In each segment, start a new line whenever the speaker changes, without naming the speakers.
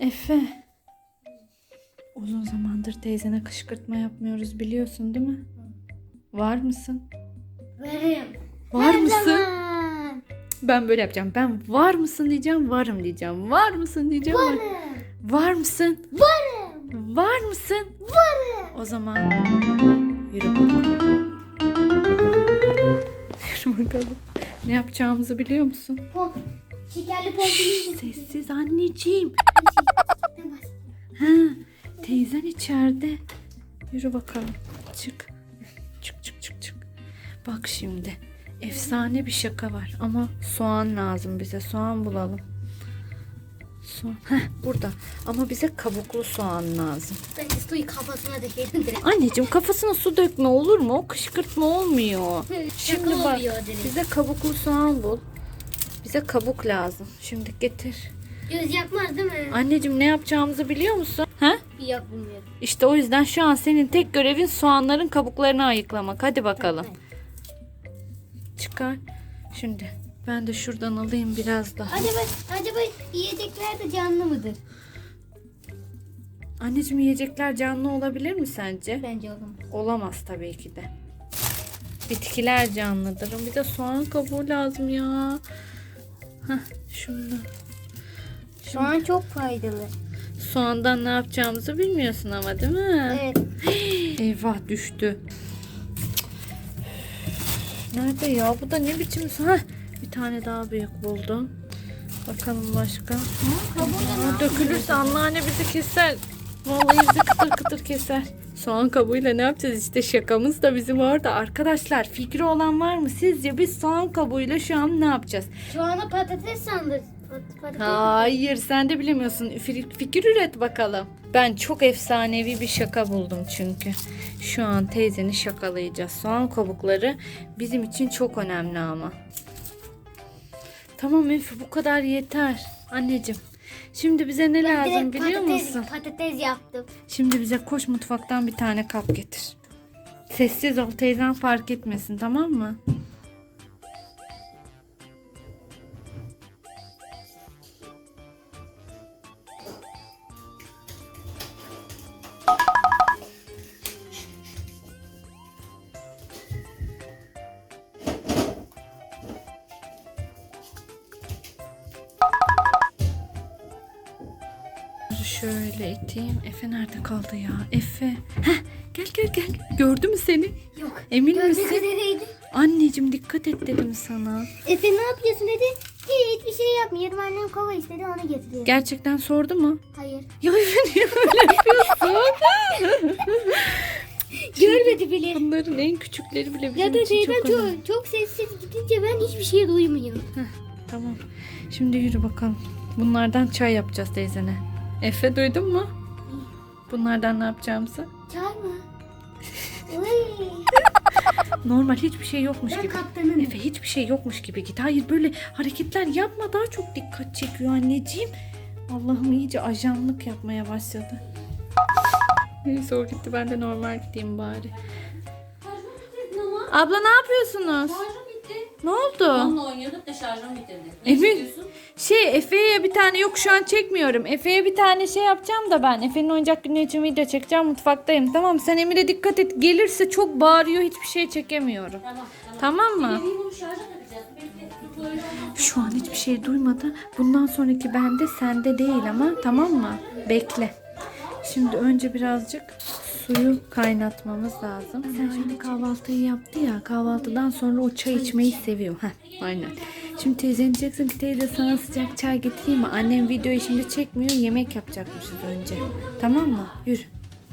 Efe. Uzun zamandır teyzene kışkırtma yapmıyoruz biliyorsun değil mi? Var mısın?
Varım.
Var
Her
mısın?
zaman.
Ben böyle yapacağım. Ben var mısın diyeceğim, varım diyeceğim. Var mısın diyeceğim.
Varım.
Var mısın?
Varım.
Var mısın?
Varım.
O zaman yürü bakalım. Yürü bakalım. Ne yapacağımızı biliyor musun?
Şekerli pompili.
Sessiz anneciğim. Ha, teyzen içeride. Yürü bakalım. Çık. Çık çık çık çık. Bak şimdi. Efsane bir şaka var ama soğan lazım bize. Soğan bulalım. Soğan. Heh, burada. Ama bize kabuklu soğan lazım.
Ben de suyu kafasına dökerim direkt.
Anneciğim kafasına su dökme olur mu? O kışkırtma olmuyor. Şimdi
Şaka
bak
oluyor direkt.
bize kabuklu soğan bul. Bize kabuk lazım. Şimdi getir.
Göz yakmaz değil mi?
Anneciğim ne yapacağımızı biliyor musun? Ha?
Yok bilmiyorum.
İşte o yüzden şu an senin tek görevin soğanların kabuklarını ayıklamak. Hadi bakalım. Çıkar. Şimdi ben de şuradan alayım biraz daha.
Acaba yiyecekler de canlı mıdır?
Anneciğim yiyecekler canlı olabilir mi sence?
Bence olamaz.
Olamaz tabii ki de. Bitkiler canlıdır. Bir de soğan kabuğu lazım ya. Heh, şundan.
Soğan çok faydalı.
Soğandan ne yapacağımızı bilmiyorsun ama değil mi?
Evet.
Eyvah düştü. Nerede ya? Bu da ne biçim soğan? Bir tane daha büyük buldum. Bakalım başka. Aa, dökülürse anneanne bizi keser. Vallahi bizi kıtır kıtır keser. Soğan kabuğuyla ne yapacağız? İşte şakamız da bizim orada. Arkadaşlar fikri olan var mı? Sizce biz soğan kabuğuyla şu an ne yapacağız?
Şu anda patates sandır. Patates.
Hayır sen de bilemiyorsun. Fikir üret bakalım. Ben çok efsanevi bir şaka buldum çünkü. Şu an teyzeni şakalayacağız. Soğan kabukları bizim için çok önemli ama. Tamam Efe bu kadar yeter. Anneciğim. Şimdi bize ne lazım biliyor musun?
Patates yaptım.
Şimdi bize koş mutfaktan bir tane kap getir. Sessiz ol teyzen fark etmesin tamam mı? Şöyle iteyim. Efe nerede kaldı ya? Efe. Heh, gel gel gel. Gördü mü seni?
Yok.
Emin
Gördüğü
misin?
üzereydi.
Anneciğim dikkat et dedim sana.
Efe ne yapıyorsun dedi. Hiçbir şey yapmıyorum. Annem kova istedi onu getiriyor.
Gerçekten sordu mu?
Hayır.
Ya Efe niye böyle yapıyorsun?
Görmedi bile.
Bunların en küçükleri bile bizim
Ya da
için çok
teyzem
önemli.
çok sessiz gidince ben hiçbir şey duymuyorum.
Tamam. Şimdi yürü bakalım. Bunlardan çay yapacağız teyzene. Efe duydun mu? Bunlardan ne yapacağımızı?
Çay mı? Uy.
Normal hiçbir şey yokmuş
Ben
gibi.
kaptanım.
Efe hiçbir şey yokmuş gibi git. Hayır böyle hareketler yapma daha çok dikkat çekiyor anneciğim. Allah'ım iyice ajanlık yapmaya başladı. Neyse o gitti ben de normal gideyim bari. Abla ne yapıyorsunuz?
Şarjım bitti.
Ne oldu?
Onunla oynuyorduk da şarjım bitirdi. Ne
Emin.
istiyorsun?
Efe'ye bir tane yok şu an çekmiyorum. Efe'ye bir tane şey yapacağım da ben. Efe'nin oyuncak günü için video çekeceğim mutfaktayım. Tamam sen Emir'e dikkat et. Gelirse çok bağırıyor hiçbir şey çekemiyorum.
Tamam.
Tamam mı?
Benim bunu şarja takacağız. Bekle. Böyle olmaz.
Şu an hiçbir şey duymadı. Bundan sonraki bende sende değil ama tamam mı? Bekle. Şimdi önce birazcık suyu kaynatmamız lazım. Sen şimdi kahvaltıyı yaptı ya. Kahvaltıdan sonra o çay içmeyi seviyor. Heh, aynen. Şimdi teyzen diyeceksin ki teyze sana sıcak çay getireyim mi? Annem videoyu şimdi çekmiyor. Yemek yapacakmışız önce. Tamam mı? Yürü.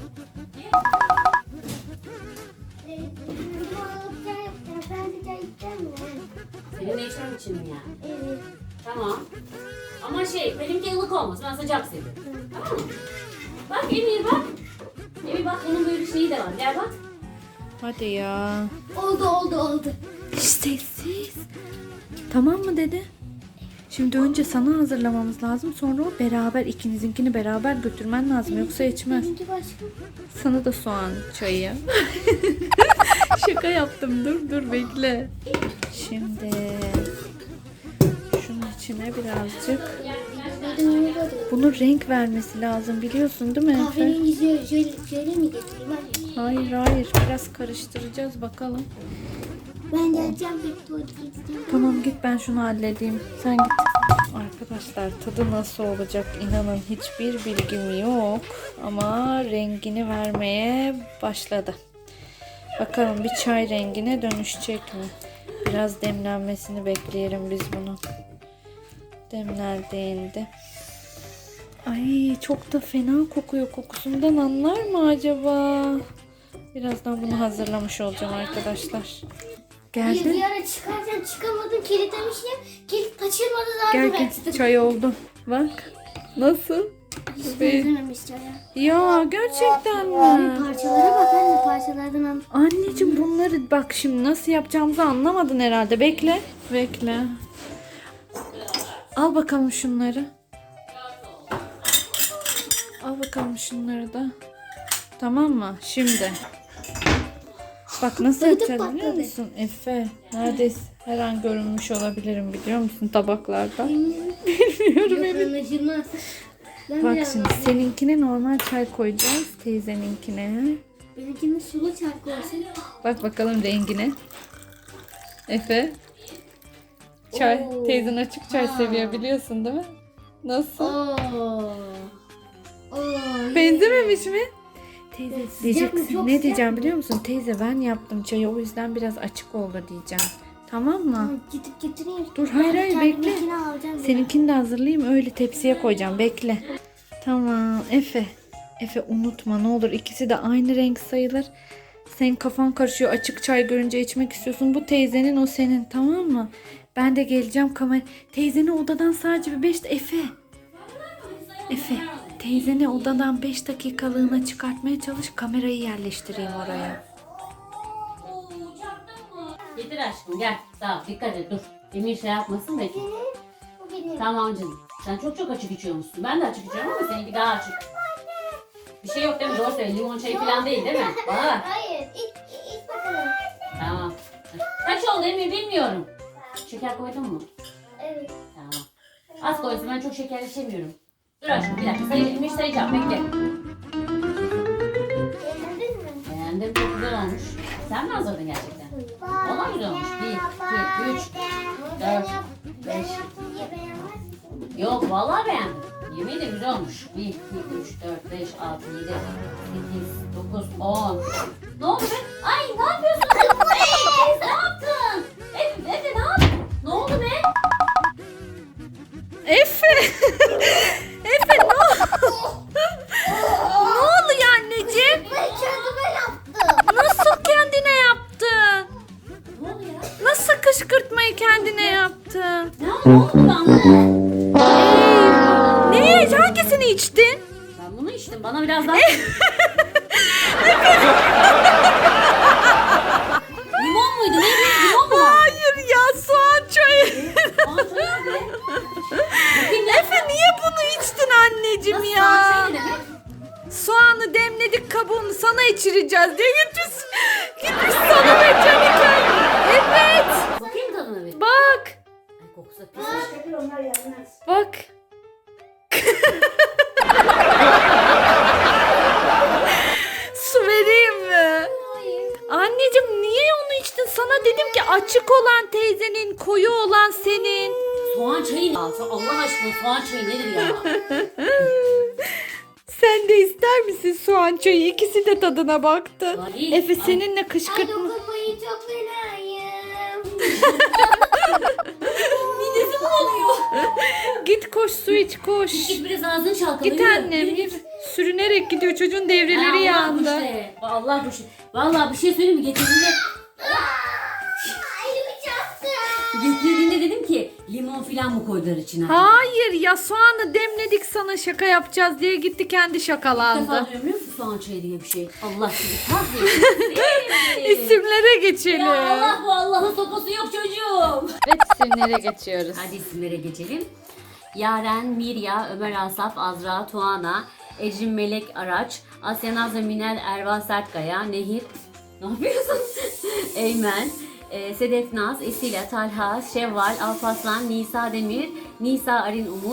Senin de içmem için mi yani?
Evet.
Tamam. Ama benimki ılık olmasın. Ben sıcak seviyorum. Tamam mı? Bak Emir bak. Emir bak bunun böyle bir şeyi de var. Gel bak.
Hadi ya.
Oldu.
Sessiz. Tamam mı dedi? Şimdi önce sana hazırlamamız lazım. Sonra o beraber ikinizinkini beraber götürmen lazım. Yoksa içmez.
Benimki başka.
Sana da soğan çayı. Şaka yaptım. Dur bekle. Şimdi şunun içine birazcık Bunun renk vermesi lazım biliyorsun değil mi Efe?
Kahverengi jöle mi getireyim anne?
Hayır biraz karıştıracağız bakalım.
Ben geleceğim bir tuvalete gideceğim.
Tamam git ben şunu halledeyim. Sen git. Arkadaşlar tadı nasıl olacak inanın hiçbir bilgim yok. Ama rengini vermeye başladı. Bakalım bir çay rengine dönüşecek mi? Biraz demlenmesini bekleyelim biz bunu. Demlendiğinde. Ay çok da fena kokuyor. Kokusundan anlar mı acaba? Birazdan bunu hazırlamış olacağım arkadaşlar.
Bir
Geldin.
ara çıkarken çıkamadım kilitlemişim. Kilit kaçırmadı
Gel
zaten.
gel çay oldu. Bak. Nasıl?
Hiç benzememiş çaya.
Ya gerçekten
Ay,
mi?
parçalara bak anne parçalardan al.
Anneciğim bunları bak şimdi nasıl yapacağımızı anlamadın herhalde. Bekle. Bekle. Al bakalım şunları. Al bakalım şunları da. Tamam mı? Şimdi. Bak nasıl
Patladı,
yapacağız biliyor
patladı.
musun? Efe neredeyse her an görünmüş olabilirim biliyor musun tabaklarda. Bilmiyorum
Yok
Elif.
anlaşılmaz. Ben
Bak
biraz
şimdi seninkine normal çay koyacağız teyzeninkine.
benimkinin sulu çarkı olsun.
Bak bakalım rengine. Efe. Çay.
Oo.
Teyzen açık çay seviyor biliyorsun değil mi? Nasıl?
Oo.
Benzememiş mi? Teyze
Sıcak mı?
diyeceksin.
Çok
Ne
sıcak
diyeceğim
mı?
biliyor musun? Teyze ben yaptım çayı o yüzden biraz açık oldu diyeceğim. Tamam mı?
Gidip getireyim.
Dur, hayır, hayır, bekle.
Kendiminkini alacağım.
Seninkini de hazırlayayım öyle tepsiye koyacağım. Bekle. Tamam Efe. Efe unutma ne olur ikisi de aynı renk sayılır. Senin kafan karışıyor açık çay görünce içmek istiyorsun. Bu teyzenin o senin tamam mı? Ben de geleceğim kamera. Teyzeni odadan sadece bir 5 Efe. Efe teyzeni odadan 5 dakikalığına çıkartmaya çalış kamerayı yerleştireyim oraya.
Getir aşkım gel. Tamam dikkat et dur. Emir şey yapmasın bekle.
Bu benim.
Tamam canım. Sen çok açık içiyormuşsun. Ben de açık içiyorum ama seninki daha açık. Bir şey yok değil mi? Doğru söyle. Limon çayı falan değil mi? Bana bak.
Hayır. İç bakalım.
Tamam. Kaç oldu Emir bilmiyorum. Şeker koydun mu?
Evet.
Tamam. Az koysun ben çok şeker içemiyorum. Dur aşkım bir dakika. Emir sayacağım bekle.
Beğendin mi?
Beğendim çok güzel olmuş. Sen mi hazırladın gerçekten? Vallahi güzel olmuş. 1, 2, 3, 4, 5.
Yaptım diye beğenmezsin.
Yok vallahi beğendim. Yemeği de güzel olmuş. 1, 2, 3, 4, 5, 6, 7, 8, 9, 10. Ne oldu be? Ay ne yapıyorsun? Hey, ne yaptın? Efe ne yaptın? Ne oldu be?
Efe! Efe ne ne oluyor anneciğim?
Ben kendime yaptım.
Nasıl kendine yaptın?
Ne oldu ya?
Nasıl kışkırtmayı kendine yaptın?
Ne oldu bana?
Ne? Hangisini içtin?
Ben bunu içtim. Bana biraz daha... Limon muydu? Neydi? Limon mu?
Hayır ya soğan çayı.
Soğan çayı ne? Bakayım ya.
Efe niye bunu içtin anneciğim
Nasıl
ya?
soğan çayı ne demek?
Soğanı demledik kabuğunu sana içireceğiz diye gitmiş sana veteriner. Evet.
Bakayım tadına bir.
Bak.
Ay kokusu pis.
Bak. Su vereyim mi? Anneciğim niye onu içtin? Sana dedim ki açık olan teyzenin, koyu olan senin.
Soğan çayı ne? Allah aşkına soğan çayı nedir ya?
Sen de ister misin soğan çayı? İkisi de tadına baktı.
Ay,
Efe
ay.
seninle
Ay
kışkırtma.
dokunmayı çok fenayım.
Midesi bulanıyor.
Git koş su iç koş.
Git biraz ağzını çalkala.
Git
yürü.
annem
Yürü,
git.
yürü.
Sürünerek gidiyor çocuğun devreleri
Allah
yandı.
işte. Allah bu şey. Vallahi bir şey söyleyeyim mi? Getirdiğinde
Elimi çarptım.
getirdiğinde dedim ki limon filan mı koydular içine?
Hayır ya soğanı demledik sana şaka yapacağız diye gitti kendi
İlk defa
şakalandı.
duyuyorum biliyor musun soğan çayı diye bir şey. Allah sizi kahretsin.
İsimlere geçelim.
Ya Allah bu Allah'ın sopası yok çocuğum.
Evet isimlere geçiyoruz.
Hadi isimlere geçelim. Yaren, Mirya, Ömer Asaf, Azra, Tuana, Ecrin Melek Araç, Asya Nazlı Minel, Erva Sertkaya, Nehir, ne yapıyorsun? Eymen, Sedef Naz, Esila, Talha, Şevval, Alparslan, Nisa Demir, Nisa Arin Umut,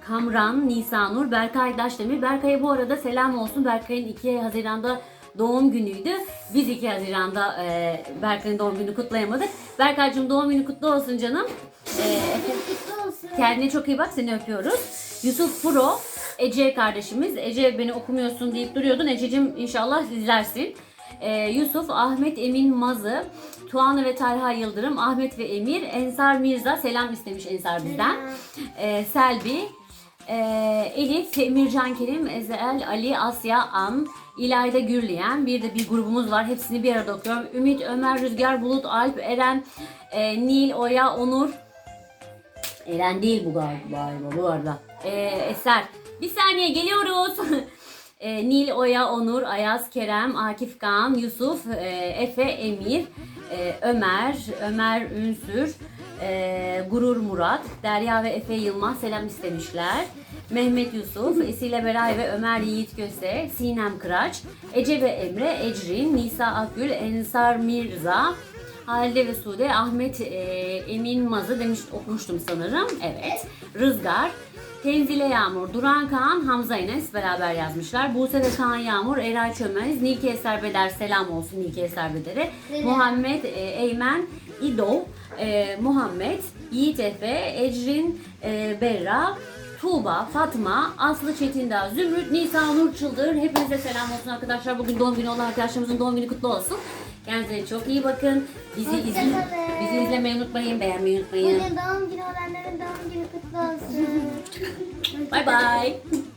Kamran, Nisanur, Berkay Daşdemir. Berkay'a bu arada selam olsun. Berkay'ın 2 Haziran'da doğum günüydü. Biz 2 Haziran'da Berkay'ın doğum gününü kutlayamadık. Berkay'cığım doğum günü kutlu olsun canım.
Kutlu olsun.
Kendine çok iyi bak, seni öpüyoruz. Yusuf Pro, Ece kardeşimiz. Ece beni okumuyorsun deyip duruyordun. Ececiğim inşallah izlersin. Yusuf, Ahmet Emin Mazı, Tuana ve Talha Yıldırım, Ahmet ve Emir, Ensar Mirza selam istemiş Ensar bizden. Selvi, Elif, Emircan Kerim, Ezel, Ali, Asya, An, İlayda Gürleyen, bir de bir grubumuz var. Hepsini bir arada okuyorum. Ümit, Ömer, Rüzgar, Bulut, Alp, Eren, Nil, Oya, Onur. Eren değil bu galiba bu arada. Eser. Bir saniye geliyoruz. Nil, Oya, Onur, Ayaz, Kerem, Akif Kaan, Yusuf, Efe, Emir, Ömer Ünsür, Gurur Murat, Derya ve Efe Yılmaz selam istemişler. Mehmet Yusuf, Esile Beray ve Ömer Yiğit Köse, Sinem Kıraç, Ece ve Emre, Ecrin, Nisa Akgül, Ensar Mirza, Halide ve Sude, Ahmet Emin Mazı demiş, okumuştum sanırım. Evet. Rızgar, Tenzile Yağmur, Duran Kaan, Hamza Enes beraber yazmışlar. Buse ve Kaan Yağmur, Eray Çömez, Nilki Eser Beder selam olsun Nilki Eser Beder'e. Muhammed Eymen, İdol, Muhammed, Yiğit Efe, Ecrin Berra, Tuğba, Fatma, Aslı Çetindağ, Zümrüt, Nisa Nur Çıldır. Hepinize selam olsun arkadaşlar. Bugün doğum günü olan arkadaşlarımızın doğum günü kutlu olsun. Kendinize çok iyi bakın. Bizi izlemeyi unutmayın, beğenmeyi unutmayın.
Bugün doğum günü olanların doğum günü kutlu olsun.
Bye bye.